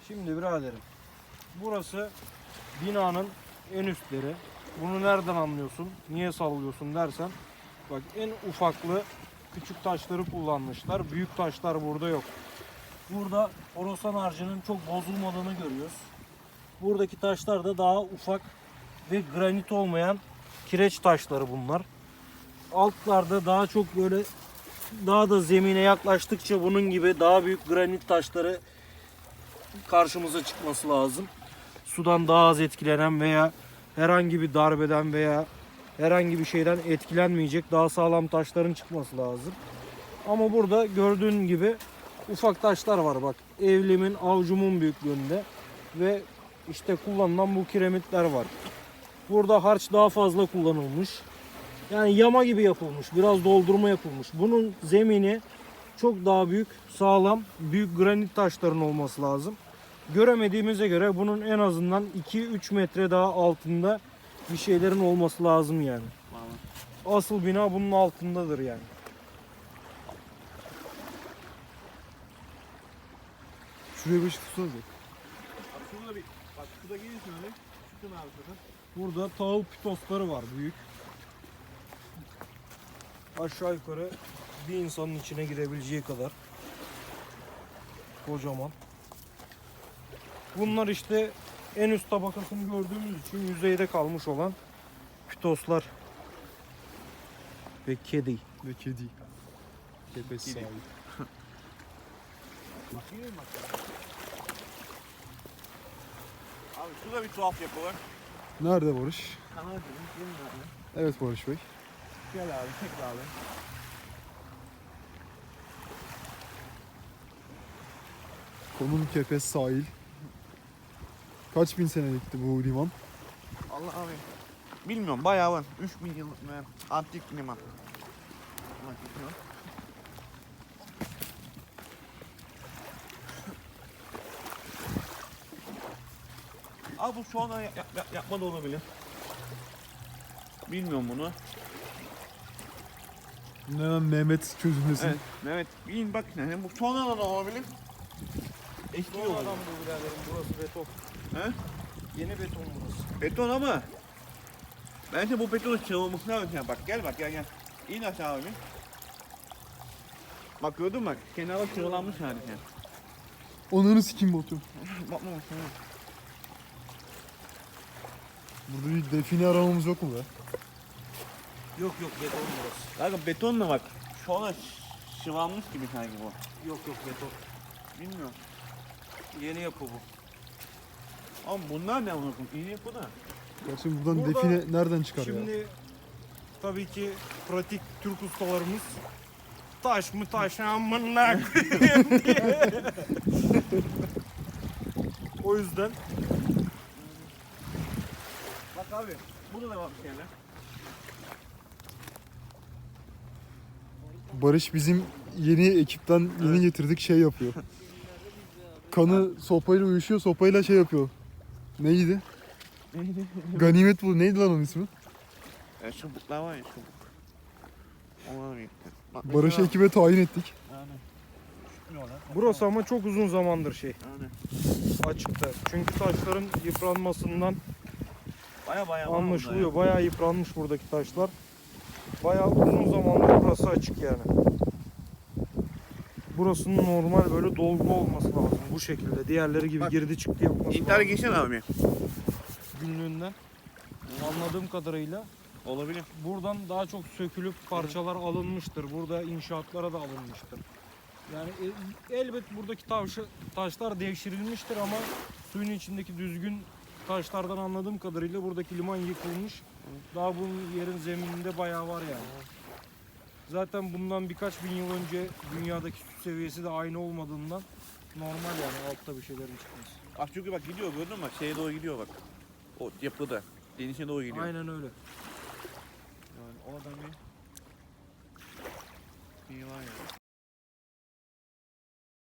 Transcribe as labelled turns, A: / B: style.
A: Şimdi biraderim, burası binanın en üstleri. Bunu nereden anlıyorsun? Niye sallıyorsun dersen, bak en ufaklı küçük taşları kullanmışlar. Büyük taşlar burada yok. Burada Horasan harcının çok bozulmadığını görüyoruz. Buradaki taşlar da daha ufak ve granit olmayan kireç taşları bunlar. Altlarda daha çok böyle, daha da zemine yaklaştıkça bunun gibi daha büyük granit taşları karşımıza çıkması lazım. Sudan daha az etkilenen veya herhangi bir darbeden veya herhangi bir şeyden etkilenmeyecek daha sağlam taşların çıkması lazım. Ama burada gördüğün gibi ufak taşlar var bak. Evlimin, avucumun büyüklüğünde ve işte kullanılan bu kiremitler var. Burada harç daha fazla kullanılmış. Yani yama gibi yapılmış. Biraz doldurma yapılmış. Bunun zemini çok daha büyük, sağlam, büyük granit taşların olması lazım. Göremediğimize göre bunun en azından 2-3 metre daha altında bir şeylerin olması lazım yani. Asıl bina bunun altındadır yani.
B: Şuraya bir ışık tutsanıza.
C: Şurada bir, bak şurada gelirsin öyle. Çıkın abi şurada.
A: Burada tahıl pitosları var büyük. Aşağı yukarı bir insanın içine girebileceği kadar. Kocaman. Bunlar işte en üst tabakasını gördüğümüz için yüzeyde kalmış olan pitoslar. Ve kedi.
B: Ve kedi. Kepes
C: Kedi.
B: sahibi.
C: Bakayım bak. Abi şurada bir tuhaf yapı var.
B: Nerede Barış?
C: Kanal dedim. Gelin abi.
B: Evet Barış Bey.
C: Gel abi, çek abi.
B: Konum Kepes sahil. Kaç bin senelikti bu liman?
C: Allah abi. Bilmiyorum bayağı var. 3000 yıllık mı? Antik liman. Bak, bakıyor. Abi bu şu an yapma da olabilir. Bilmiyorum bunu.
B: Hemen Mehmet çözülmesin.
C: Evet. Mehmet bin bak ne bu sonradan olabilir. Eski
A: Son
C: yol.
A: adam bu biraderim, burası beton.
C: He?
A: Yeni beton burası.
C: Beton ama. Bence bu betonu çırılması lazım. Bak gel bak gel. İn aşağı abi. Bak gördün mü bak. Kenara çırılanmış yani.
B: Onları sikim botum.
C: Bakma bak sana.
B: Burada bir define aramamız yok mu be?
A: Yok yok, beton burası.
C: Kanka betonla bak. Şu an şıvanmış gibi sanki bu.
A: Yok yok, beton.
C: Bilmiyorum.
A: Yeni yapı bu.
C: Ama bunlar ne anladım? İyi yapı da.
B: Gerçi buradan
A: Burada
B: define nereden çıkar ya?
A: Şimdi tabii ki pratik Türk ustalarımız taş mı taş amına koyayım diye. O yüzden
C: Bak abi. Burada da var bir şeyler.
B: Barış bizim yeni ekipten yeni getirdik şey yapıyor. Kanı sopayla uyuşuyor, sopayla şey yapıyor. Neydi?
C: Neydi?
B: Ganimet bu. Neydi lan onun ismi?
C: Çubuklar var ya çubuk. Onlar birlikte. Bak,
B: Barış'ı
C: mesela-
B: ekibe tayin ettik.
C: Yani. Çıkmıyorlar.
A: burası ama çok uzun zamandır şey
C: Yani.
A: açıkta. Çünkü taşların yıpranmasından
C: Baya baya var
A: anlaşılıyor. Bayağı yıpranmış buradaki taşlar. Bayağı uzun zamandır burası açık yani. Burasının normal böyle dolgu olması lazım bu şekilde. Diğerleri gibi
C: Bak,
A: girdi çıktı yapması
C: İntihar
A: lazım.
C: geçen abi.
A: Günlüğünden anladığım kadarıyla
C: Olabilir.
A: buradan daha çok sökülüp parçalar alınmıştır. Burada inşaatlara da alınmıştır. Yani elbet buradaki taşlar devşirilmiştir ama suyun içindeki düzgün taşlardan anladığım kadarıyla buradaki liman yıkılmış. Daha bunun yerin zemininde bayağı var yani. Zaten bundan birkaç bin yıl önce dünyadaki su seviyesi de aynı olmadığından normal yani altta bir şeylerin çıkması.
C: Bak çünkü bak gidiyor gördün mü bak şeye doğru gidiyor bak. O yapıda. Denize doğru gidiyor.
A: Aynen öyle.
C: Yani o adam bir var ya.